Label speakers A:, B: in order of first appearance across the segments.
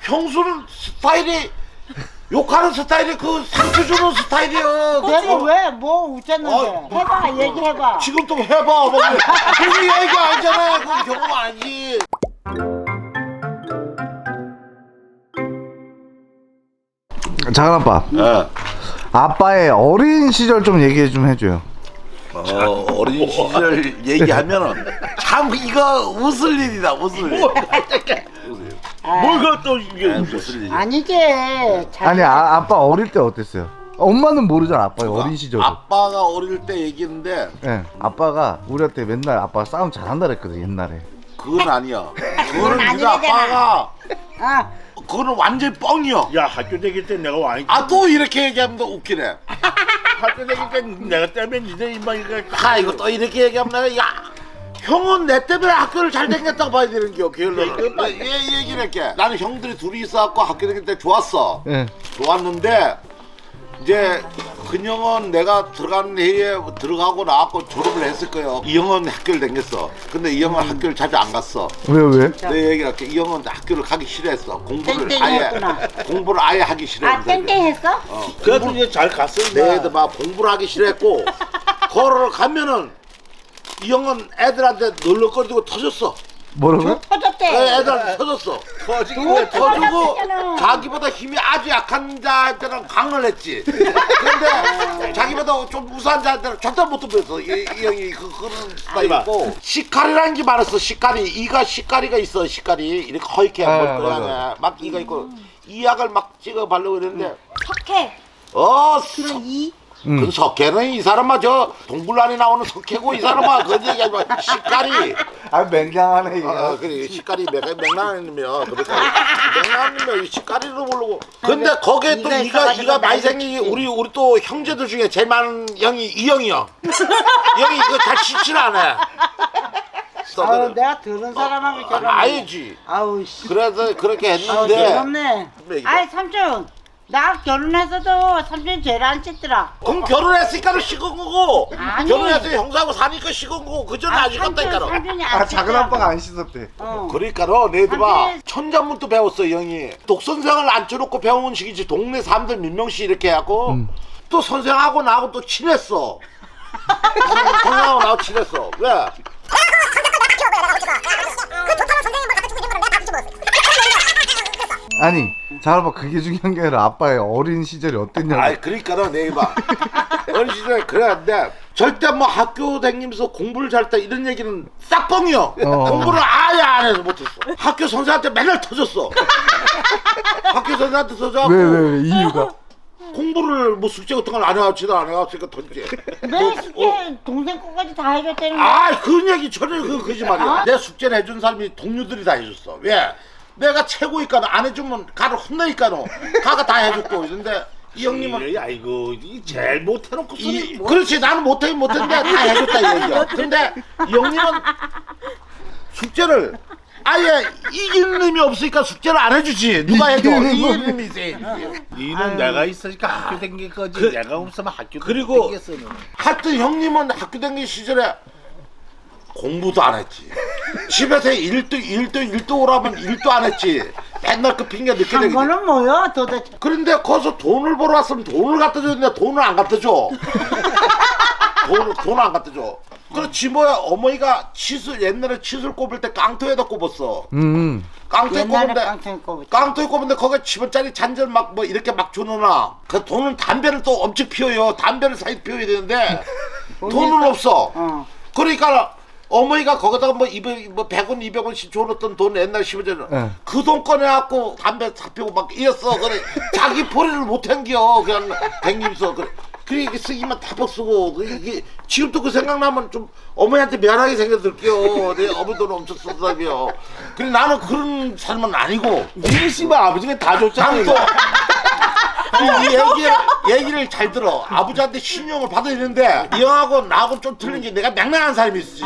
A: 형수는 스타일이 욕하는 스타일이 그 상처 주는 스타일이야.
B: 내가 왜 뭐 웃었는데? 해봐 얘기해봐.
A: 지금 또 해봐. 그게 얘기 아니잖아. 그 경험 아니지.
C: 작은 아빠.
A: 예.
C: 아빠의 어린 시절 좀 얘기 좀 해줘요.
A: 어린 시절 얘기하면은 참 이거 웃을 일이다. 웃을 일.
D: 뭘가 또 이게
A: 웃을 일.
B: 아니지.
C: 아니 아빠 어릴 때 어땠어요? 엄마는 모르잖아 아빠의 어린 시절.
A: 아빠가 어릴 때 얘기했는데
C: 예, 아빠가 우리한테 맨날 아빠 싸움 잘한다 그랬거든 옛날에.
A: 그건 아니야. 그거는 네가
B: 아니래잖아.
A: 아빠가
B: 아,
A: 그거는 완전 뻥이야.
D: 야 학교 다닐 때 내가 와인
A: 아 또 이렇게 얘기하면 또 웃기네.
D: 학교 다닐 때 내가 때문에 니네 인마 이거
A: 아 이거 또 이렇게 얘기하면 내가 야 형은 내 때문에 학교를 잘 다녔다고 봐야 되는 겨. 게을러는. 얘 얘기를 할게. 나는 형들이 둘이 있어갖고 학교 다닐 때 좋았어.
C: 예.
A: 좋았는데 이제 근형은 내가 들어가는 해에 들어가고 나왔고 졸업을 했을 거예요. 이 형은 학교를 다녔어. 근데 이 형은 학교를 자주 안 갔어.
C: 왜?
A: 내 얘기를 할게. 이 형은 학교를 가기 싫어했어.
B: 땡땡이었구나.
A: 공부를 아예 하기 싫어했어.
B: 아 땡땡했어?
D: 그래도 이제 잘 갔어
A: 내 애들 막 공부를 하기 싫어했고 걸어 가면은 이 형은 애들한테 널럭거리고 터졌어.
C: 뭐라고요?
B: 터졌대.
A: 애들한테 터졌어.
D: 터지고
A: 터지고
B: 터졌잖아.
A: 자기보다 힘이 아주 약한 자한테는 강을 했지. 근데 자기보다 좀 우수한 자한테는 절대 못 덤볐어. 이 형이 그런 스타일 있고 시카리라는 게 많았어. 시카리. 이가 시카리가 있어. 시카리 이렇게 허옇게
C: 아,
A: 머리카락에 막 이가 있고 이 약을 막 찍어 바르고 이랬는데
B: 석회.
A: 그런
B: 이.
A: 그 석회는 이 사람아 저 동굴란에 나오는 석회고 이 사람아 그 얘기하지 마. 시카리.
C: 아 맹장하네 이거.
A: 그래 시카리 맥락이면 맥락이면 시카리로 부르고. 근데 거기에 또 이가 많이 생긴 우리 또 형제들 중에 제일 많은 형이 이 형이야. 이 형이 이거 잘 씻질 않아.
B: 아유 내가 들은 사람하고 결혼.
A: 알지.
B: 아우 씨.
A: 그래서 그렇게
B: 아우
A: 했는데
B: 괴롭네. 아이 삼촌. 나 결혼해서도 삼촌 죄를 안 씻더라.
A: 그럼 결혼했으니까 식은 거고
B: 아니.
A: 결혼해서 형사하고 사니까 식은 거고 그 전에 안 식었다니까.
B: 삼촌이 안
C: 아 작은
B: 씻더라고.
C: 아빠가 안 씻었대.
A: 그러니까로 내들 봐
B: 안 돼.
A: 천자문도 배웠어 이 형이. 독선생을 앉혀놓고 배운 식이지. 동네 사람들 몇 명씩 이렇게 하고 또 선생하고 나하고 또 친했어. 선생하고 나하고 친했어. 왜?
C: 아니 작은 아빠 그게 중요한 게 아니라 아빠의 어린 시절이 어땠냐고.
A: 아이 그러니까로 내가 봐 어린 시절에 그랬는데 절대 뭐 학교 다니면서 공부를 잘했다 이런 얘기는 싹 뻥이요. 공부를 아예 안 해서 못했어. 학교 선생한테 맨날 터졌어. 학교 선생한테 터져갖고
C: 왜 이유가?
A: 공부를 뭐 숙제 같은 걸 안 해왔지도 안 해왔으니까 던지.
B: 내 숙제 동생 거까지 다 해줬다는 거야.
A: 아 그런 얘기 전혀 그 거짓말이야. 내 숙제를 해준 사람이 동료들이 다 해줬어. 왜? 내가 최고니까는 안 해주면 가를 혼내니까는 가가 다 해줬고 이런데 이 형님은
D: 아이고 이 제일 못해놓고 소리 뭐.
A: 그렇지 나는 못했는데 다 해줬다 이 얘기야. 근데 이 형님은 숙제를 아예 이기는 놈이 없으니까 숙제를 안 해주지. 누가 해줘? 이기는 놈이 있어야지.
D: 니는 내가 있으니까 학교 다닌 거지 내가 없으면 학교
A: 그리고
D: 다녔어 너는.
A: 하여튼 형님은 학교 다니는 시절에 공부도 안 했지. 집에서 일도 오라면 일도 안 했지. 맨날 그 핑계 늦게
B: 한
A: 내기.
B: 번은 뭐야 도대체.
A: 그런데 거기서 돈을 벌어 왔으면 돈을 갖다 줘야 돈을 안 갖다 줘. 돈을 안 갖다 줘. 그렇지 뭐야. 어머니가 치술 옛날에 치술 꼽을 때 깡통에다 꼽았어. 깡통에
B: 옛날에
A: 꼽은데
B: 깡통에 꼽았지.
A: 깡통에 꼽은데 거기에 10원짜리 잔절 막 뭐 이렇게 막 주느나 그 돈은 담배를 또 엄청 피워요. 담배를 사이 피워야 되는데 돈은 없어. 그러니까 어머니가 거기다가 뭐 100원 200원씩 줘놓던 돈 옛날 10원짜리
C: 네.
A: 그 돈 꺼내갖고 담배 사 피우고 막 이었어. 그래 자기 포리를 못 당겨 그냥 댕기면서 그래 이게 쓰기만 타박 쓰고 이게 지금도 그 생각나면 좀 어머니한테 미안하게 생겨들게요. 내 어머니 돈 엄청 썼다며. 그래 나는 그런 삶은 아니고
D: 니네 씨발 아버지가 다 줬잖아
A: 난
D: 이거.
A: 또 이 얘기를 잘 들어. 아버지한테 신용을 받아야 되는데 이 형하고 나하고 좀 틀린 게 내가 맹랑한 사람이 있었지.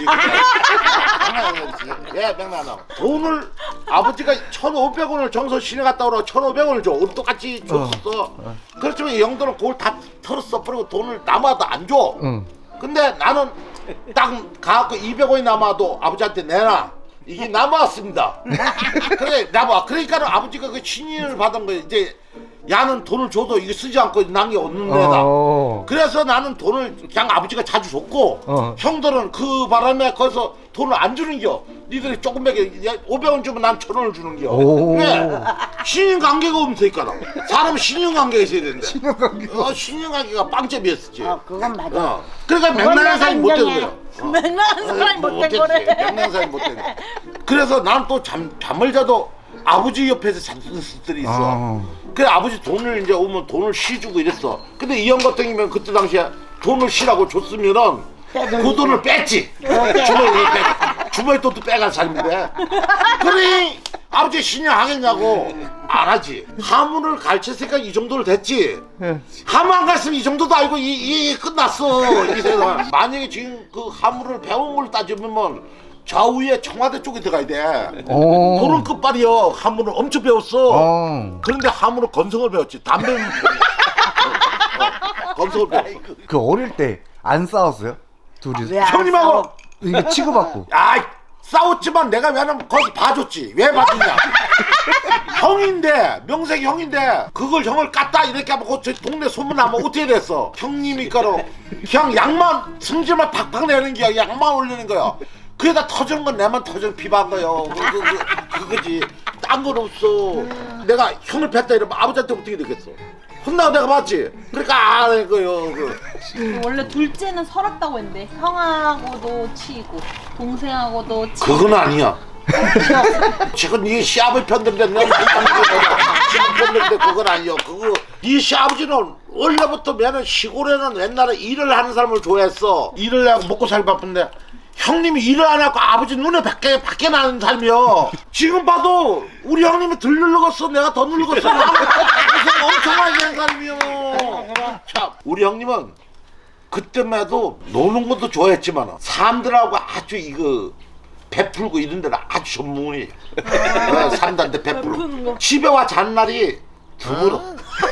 A: 예, 맹랑한. 돈을 아버지가 1,500원을 정서 시내 갔다 오라고 1,500원을 줘. 우리 똑같이 줬었어. 그렇지만 이 형들은 그걸 다 털었어. 그리고 돈을 남아도 안 줘. 근데 나는 딱 가갖고 200원이 남아도 아버지한테 내놔. 이게 남았습니다. 그래 남아. 그러니까 아버지가 그 신인을 받은 거예요. 이제 야는 돈을 줘도 이게 쓰지 않고 남게 없는 데다. 그래서 나는 돈을 그냥 아버지가 자주 줬고 형들은 그 바람에 거기서 돈을 안 주는겨. 니들이 조금밖에 500원 주면 난 1000원을 주는겨. 왜? 신인 관계가 없으니까. 사람은 신인 관계가 있어야 된대. 신인 관계가 빵점이었지.
B: 그건 맞아.
A: 그러니까 맹랑한 사람이 못 되는 거야.
E: 맹랑한 사람이 못된 거래.
A: 맹랑한 사람이 못 되는 거야. 그래서 난 또 잠을 자도 아버지 옆에서 잠드는 수들이 있어. 그래 아버지 돈을 이제 오면 돈을 쉬주고 이랬어. 근데 이 형 같은 경우면 그때 당시에 돈을 쉬라고 줬으면은 그 돈을 뺐지. 주머니 돈도 빼간 사람인데. 그래 아버지 신용 하겠냐고 안 하지. 하문을 가르쳤으니까 이 정도로 됐지. 하문 안 갔으면 이 정도도 아니고 이 끝났어. 이 세상. 만약에 지금 그 하문을 배운 걸 따지면 좌우에 청와대 쪽에 들어가야 돼. 돈은 끝발이요. 하문을 엄청 배웠어. 그런데 하문은 건성을 배웠지. 담배는 건성을 배웠어.
C: 그 어릴 때 안 싸웠어요? 둘이
A: 형님하고
C: 이게 치고받고.
A: 아 싸웠지만 내가 왜냐면 거기서 봐줬지. 왜 봐줬냐. 형인데 명색이 형인데 그걸 형을 깠다 이렇게 하면 저 동네 소문나면 어떻게 됐어. 형님이니까로 그냥 양만 승질만 팍팍 내는 거야. 양만 올리는 거야. 그에다 터지는 건 내만 터지는 피반 거요. 그거지. 딴 건 없어. 내가 형을 뱉다 이러면 아버지한테 어떻게 되겠어. 혼나고 내가 봤지. 그러니까 안 할 거요.
E: 원래 둘째는 설았다고 했는데 형하고도 치고 동생하고도 치고.
A: 그건 아니야. 지금 네 시아버지 편들인데 내가 시아버지 편들인데 그건 아니야. 그거 네 시아버지는 원래부터 맨은 시골에는 옛날에 일을 하는 사람을 좋아했어. 일을 하고 먹고 살기 바쁜데 형님이 일을 안 하고 아버지 눈에 밖에 나는 삶이야. 지금 봐도 우리 형님이 덜 늙었어. 내가 더 늙었어. 무슨 엄청나게 된 사람이야. 참 우리 형님은 그때만 해도 노는 것도 좋아했지만 사람들하고 아주 이거 베풀고 이런 데는 아주 전문이에요. 사람들한테 베풀고 집에 와 잔 날이 드물어.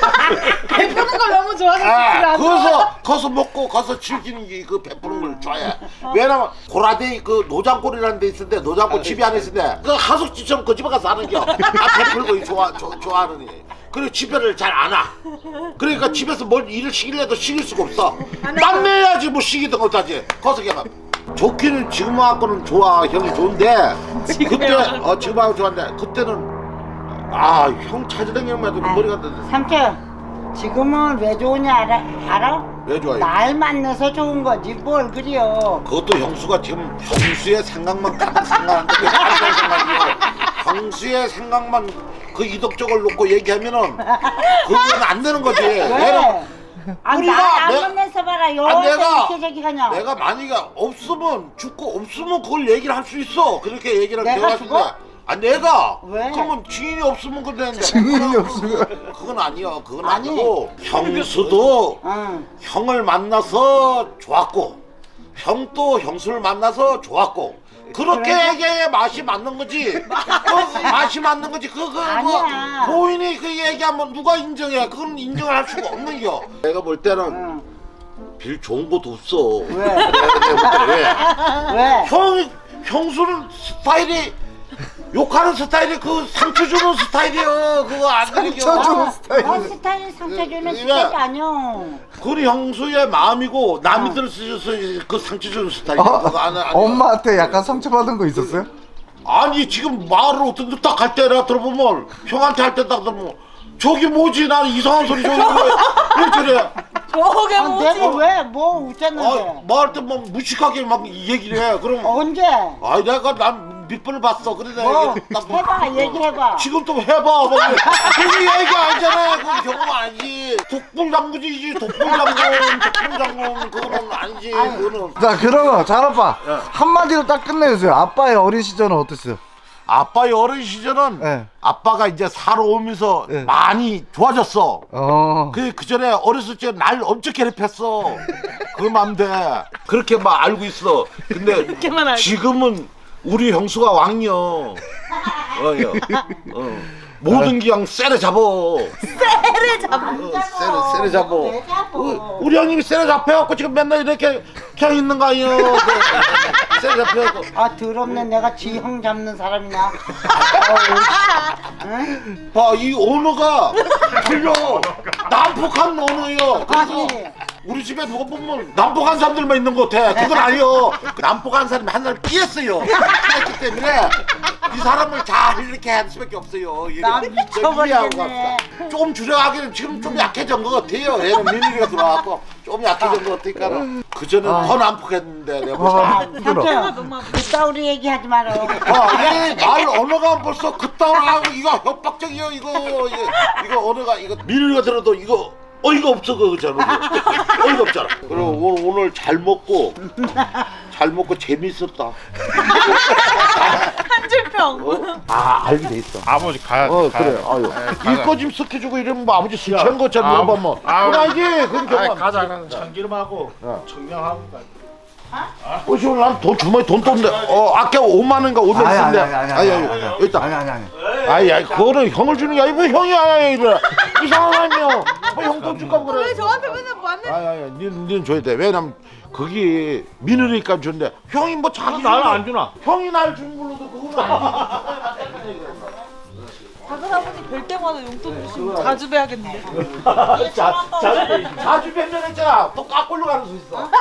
E: 베푸는 걸 너무 좋아서
A: 거기서 먹고 거기서 즐기는 게 그 베푸는 걸 좋아해. 왜냐면 고라데이 그 노장골이라는 데 있는데 노장골 집이 안에 있는데 그 하숙집처럼 그 집에 가서 하는 겨. 베풀고 좋아하는 애. 그리고 집에를 잘 안 와. 그러니까 집에서 뭘 일을 시키려도 시킬 수가 없어. 땀 내야지 뭐 시키든 어떠지. 거기서 그냥 좋기는 지금하고는 좋아. 형이 좋은데 그때 지금하고 좋았는데 그때는 형 찾으려면 해도 머리가
B: 삼촌 지금은 왜 좋으냐 알아?
A: 왜 좋아요?
B: 날 만나서 좋은 거지 뭘 그래요.
A: 그것도 형수가 지금 형수의 생각만 가득 생각하는데 왜 다른 생각이요? 형수의 생각만 그 이덕적을 놓고 얘기하면은 그건 안 되는 거지.
B: 왜?
A: 우리가
B: 나안 만나서 봐라. 이렇게 저기 가냐.
A: 내가 만약에 없으면 죽고 없으면 그걸 얘기를 할 수 있어. 그렇게 얘기를
B: 내가
A: 대화할
B: 죽어?
A: 내가
B: 왜?
A: 그러면 증인이 없으면 그랬는데
C: 증인이 없으면
A: 그건 아니야. 그건
B: 아니.
A: 아니고 형수도 형을 만나서 좋았고 형도 형수를 만나서 좋았고 그렇게 얘기해 맛이 맞는 거지. 맛이 맞는 거지.
B: 아니야.
A: 고인이 그 얘기하면 누가 인정해? 그건 인정을 할 수가 없는 겨. 내가 볼 때는 빌 좋은 것도 없어.
B: 왜?
A: 내가 볼 때 왜?
B: 왜?
A: 형수는 스타일이 욕하는 스타일이 그 상처 주는 스타일이요. 그거 안 되죠.
C: 상처 주는 스타일.
B: 스타일 상처 주는
A: 왜?
B: 스타일이 아니야.
A: 그건 형수의 마음이고 남이 들었어서 그 상처 주는 스타일이야. 그거 안
C: 엄마한테 약간 상처받은 거 있었어요?
A: 아니 지금 말을 어떤 딱 할 때 내가 들어보면 형한테 할 때 딱 들어보면 저기 뭐지 나는 이상한 소리 저기 왜 저래.
E: 저게 뭐지?
B: 내가 왜? 뭐 웃었는데?
A: 말할 때 막 무식하게 막 얘기를 해. 그럼
B: 언제?
A: 아니 내가 난 몇 번을 봤어. 그래 내가
B: 뭐
A: 딱
B: 해봐 얘기해봐.
A: 지금 또 해봐. 그게 얘기 아니잖아. 그건 경험 아니지. 독불장군이지. 독불장군 그거는 아니지. 그거는.
C: 자 그러면 잘아빠 한마디로 딱 끝내주세요. 아빠의 어린 시절은 어땠어요?
A: 아빠의 어린 시절은
C: 네.
A: 아빠가 이제 살아오면서
C: 네.
A: 많이 좋아졌어.
C: 어.
A: 그 전에 어렸을 때 날 엄청 괴롭혔어. 그 맘대 그렇게 막 알고 있어. 근데
E: 그렇게만 알고.
A: 지금은 우리 형수가 왕이여. 모든 게 그냥 쎄를 잡어.
E: 때를 잡는
A: 쎄를 잡어. 우리 형님이 쎄를 잡혀갖고 지금 맨날 이렇게 그냥 있는 거 아니에요. 쎄를 잡혀갖고.
B: 아 더럽네. 내가 지형 잡는 사람이나. 응?
A: 봐, 이 언어가 틀려. 난폭한 언어예요. 그래서
B: 아니.
A: 우리 집에 누가 보면 난폭한 사람들만 있는 것 같아. 그건 아니요. 그 난폭한 사람이 한 사람 피했어요. 피했기 때문에 이 사람을 잘 이렇게 할 수밖에 없어요.
B: 나 미쳐버리겠네.
A: 좀 줄여가기는 지금 좀 약해진 것 같아요. 얘는 민우이가 들어와갖고 좀 약해진 것 같으니까 그 전에 더 난폭했는데 내가
C: 아,
A: 보자.
C: 힘들어.
B: 삼촌 그따구리 얘기하지 마라.
A: 얘말 언어가 벌써 그따위로 이거 협박적이요. 이거 언어가 이거 민우이가 들어도 이거 어이가 없어 그잖아. 어이가 없잖아. 그리고 오늘 잘 먹고 재밌었다.
E: 한 줄평.
A: 알게 돼 있어.
D: 아버지 가야
A: 그래.
D: 가야
A: 아유. 이거 지금 스켜주고 이러면 뭐 아버지 술 취한 것처럼
D: 아,
A: 여봐 뭐.
D: 아,
A: 그건 아니지. 그건 경험.
D: 가자. 참기름하고
A: 어.
D: 청량하고 가.
A: 오늘 난돈 주머니 돈 떴는데 아까 5만 원인가 5만 원 쓴데.
C: 아니.
A: 여기 있다.
C: 아니.
A: 그거는 형을 주는 게 아니고 형이 아니야 이거. 이상한 사람이요. 형 돈 줄까 그래.
E: 왜 저한테 맨날 맞는?
A: 아니, 니는 줘야 돼. 왜냐면 거기 민우니까 준대. 형이 뭐 자기
D: 나는 안 주나?
A: 형이 날 주는 걸로도 그거는 아니지.
E: 작은 아버님 뵐 때마다 용돈 주시면 자주 뵈야겠는데.
A: 자주 뵙면 했잖아. 또 까꼴로 가는 수 있어.